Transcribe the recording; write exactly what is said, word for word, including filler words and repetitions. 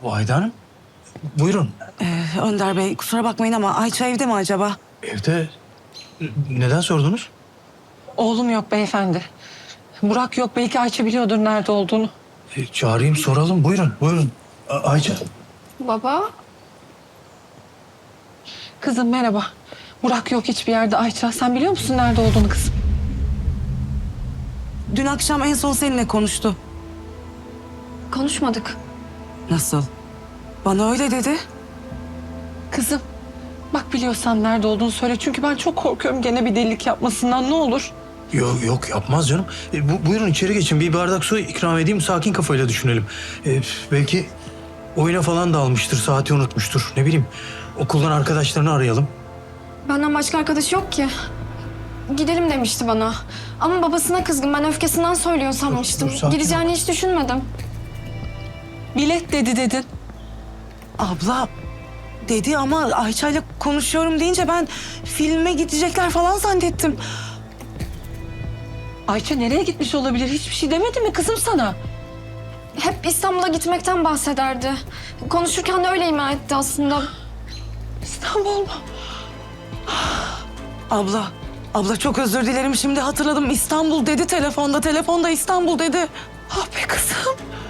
Vahide Hanım, buyurun. Ee, Önder Bey kusura bakmayın ama Ayça evde mi acaba? Evde neden sordunuz? Oğlum yok beyefendi. Burak yok. Belki Ayça biliyordur nerede olduğunu. E, çağırayım, soralım. Buyurun, buyurun. A- Ayça. Baba, Kızım merhaba. Burak yok hiçbir yerde Ayça. Sen biliyor musun nerede olduğunu kızım? Dün akşam en son seninle konuştu. konuşmadık. Nasıl? Bana öyle dedi. Kızım bak biliyorsan nerede olduğunu söyle. Çünkü ben çok korkuyorum gene bir delilik yapmasından, ne olur. Yok yok, yapmaz canım. E, bu, buyurun içeri geçin. Bir bardak su ikram edeyim. Sakin kafayla düşünelim. E, belki oyuna falan dalmıştır. Saati unutmuştur. Ne bileyim. Okuldan arkadaşlarını arayalım. Benden başka arkadaşı yok ki. Gidelim demişti bana. Ama babasına kızgın. Ben öfkesinden söylüyor sanmıştım. dur, sakin Gideceğini hiç düşünmedim. Bilet dedi dedin. Abla dedi ama Ayça'yla konuşuyorum deyince ben filme gidecekler falan zannettim. Ayça nereye gitmiş olabilir? Hiçbir şey demedi mi kızım sana? Hep İstanbul'a gitmekten bahsederdi. Konuşurken de öyle ima etti aslında. İstanbul mu? Abla, abla çok özür dilerim. Şimdi hatırladım. İstanbul dedi telefonda. Telefonda İstanbul dedi. Ah be kızım.